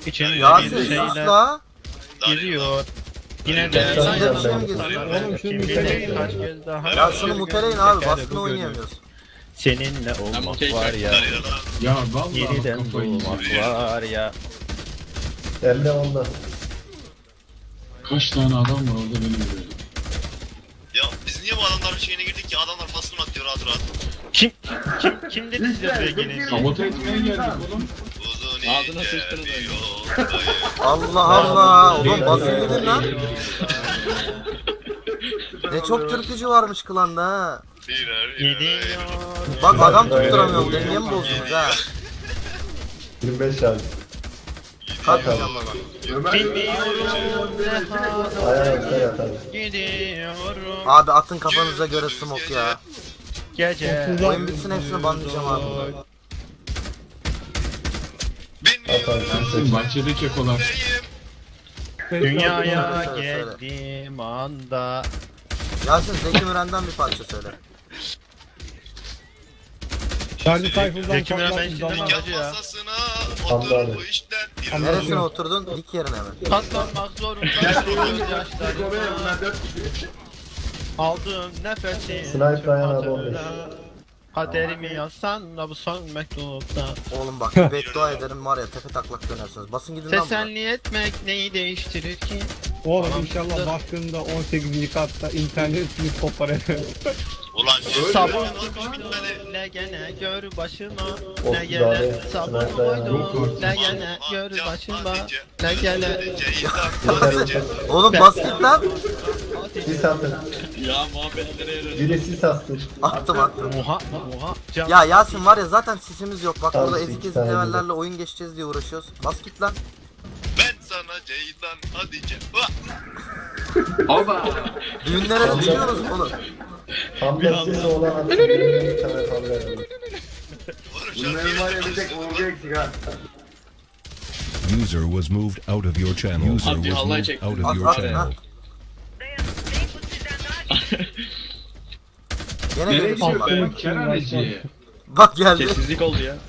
İçinde Yasin bir sus şeyler la. giriyor. Yine de İçinde bir şey mi geziyor? Oğlum şunu muteleyin kaç ya. kez daha. Ya şunu muteleyin abi, Teker baskın bu oynayamıyoruz. Seninle olmak var ya. Ya vallahi Yeniden kafayı doğmak yiyeceğim. var ya. Elde onda. Kaç tane adam var orada benim böyle. Ya biz niye bu adamların şeyine girdik ki? Adamlar baskın atıyor rahat rahat. Kim dedi size buraya gelin? Sabote etmeye geldik oğlum. Uzun Ağzına ince sıçtınız bir öyle. yoldayım. Allah Allah. Oğlum basın gidin lan. Ne çok türkücü varmış klanda ha. Gidiyor. Bak adam tutturamıyorum. Dengemi bozdunuz ha. 25 şarj. Kalkmayacağım baba. Gidiyorum. Ayağına yat hadi. Gidiyorum. Abi atın kafanıza göre smoke ya. Gece. Oyun bitsin hepsini banlayacağım abi. Ersin bahçede kekolar. Dünyaya Söyle, söyle. geldiğim anda. Yasin Zeki Müren'den bir parça söyle. Şarjı Tayfun'dan Zeki Müren ben patlatmış şimdi zaman. Hacı ya. Masasına Hamdi otur abi. bu işten. Neresine oturdun? Dik yerine mi? Katlanmak zorunda. Gözyaşlarımla. Aldığım nefesi. Sniper Ryan abi 15. Kaderimi yazsan da bu son mektupta. Oğlum bak bir beddua ederim var ya tepe taklak dönersiniz. Basın gidin lan buradan. Teselli etmek neyi değiştirir ki? Oğlum inşallah baktığında 18. katta internetini kopar eder. Ulan Sabun olmuş bitmedi. ne gene gör başıma. Of, Ne gene abi, sabun sniper koydum. yani. Ne gene gör başıma. Ne gene Oğlum bas git lan. Sis atın. Ya muhabbetlere yarıyor. Biri sis attı. Attım attım. Muha. Can. Ya Yasin var ya zaten sisimiz yok. Bak Tamam, burada iki eski tane levellerle oyun geçeceğiz diye uğraşıyoruz. Bas git lan. Ben sana Ceylan Hatice. Oba. Düğünlere de çıkıyoruz oğlum. Hamle sesi olan atsın. Bir tane hamle edin. Bunların var ya bir tek User was moved out of your channel. User Abi, was Allah moved çek. out At of your at channel. lan. Gene Nereye gelişim gidiyor var. be? Kerhaneci. Bak geldi. Sessizlik oldu ya.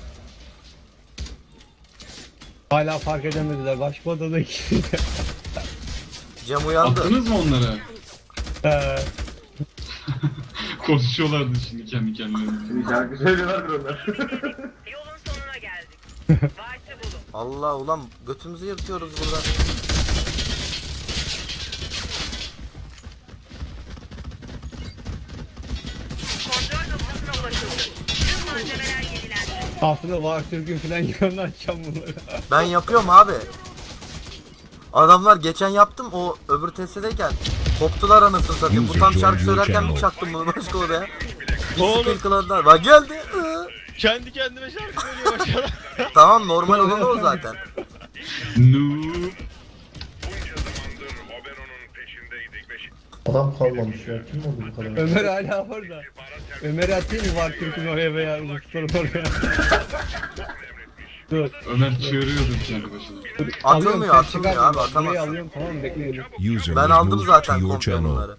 Hala fark edemediler. Başka odada ikisi de. Cem uyandı. Attınız mı onları? Ee, Konuşuyorlardı şimdi kendi kendilerine. Yolun sonuna geldik. Varsa bulun. Allah ulan götümüzü yırtıyoruz burada. Kontrol noktasına ulaşıldı. Tüm malzemeler yenilendi. aslında var Türk'ün falan yanına açacağım bunları. Ben yapıyorum abi. Adamlar geçen yaptım o öbür testedeyken koptular anasını satayım. Bu tam şarkı söylerken bir çaktım bunu başka odaya. Bir Oğlum. skill kıladılar. Bak geldi. Kendi kendime şarkı söylüyor başına. Tamam normal olan o zaten. Noob. Adam kalmamış ya. Kim oldu bu kadar? Ömer hala orada. Ömer'i atayım mı var Türk'ün oraya veya Rusların oraya? Dur. Ömer çığırıyordu kendi başına. Atılmıyor sen atılmıyor çıkar abi mısın? Burayı atamazsın. alıyorum tamam mı? Bekleyelim. User Ben was aldım moved zaten to your komple channel. bunları.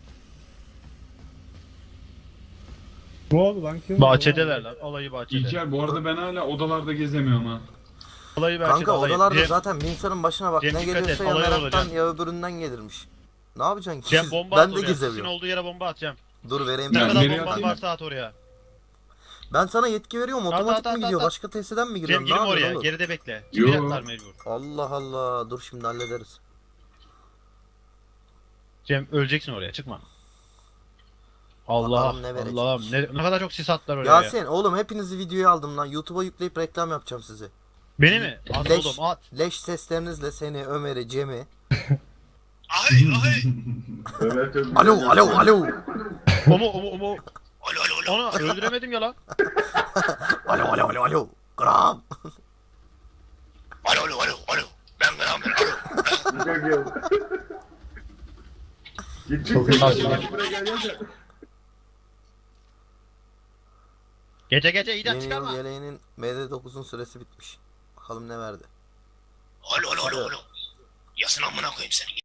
Ne oldu lan? Kim? Bahçedeler lan. Olayı bahçede. İlker bu arada ben hala odalarda gezemiyorum ha. Olayı bahçede. Kanka olayı. odalarda Cem, zaten Vincent'ın başına bak Cem ne dikkat geliyorsa et, ya olay meraktan olacak. ya öbüründen gelirmiş. Ne yapacaksın ki? Cem bomba Ben at de oraya. Sizin gezemiyorum. olduğu yere bomba atacağım. Dur vereyim Ne Ya, sana. kadar nereye bomban atayım? varsa at oraya. Ben sana yetki veriyorum otomatik at, mi gidiyor? at. Başka testeden mi Cem giriyorsun? Ne girme yapıyorsun oraya. oğlum? Geride bekle. Yo. Çıkacaklar mecbur. Allah Allah dur şimdi hallederiz. Cem öleceksin oraya. Çıkma. Allah Bakalım ne verecek. Allah'ım ne kadar çok sis attılar oraya. ya. Yasin oğlum hepinizi videoya aldım lan. YouTube'a yükleyip reklam yapacağım sizi. Beni mi? At Leş, oğlum at. leş seslerinizle seni, Ömer'i, Cem'i. Ay ay. Alo alo alo. Omu. Alo alo alo. Onu öldüremedim ya lan. Alo alo alo alo. Gram. Alo alo alo alo. Ben alo. Çok iyi. Gece icat Yeni çıkarma. yıl yeleğinin MD9'un süresi bitmiş. Bakalım ne verdi. Alo alo alo alo. Yasın amına koyayım seni.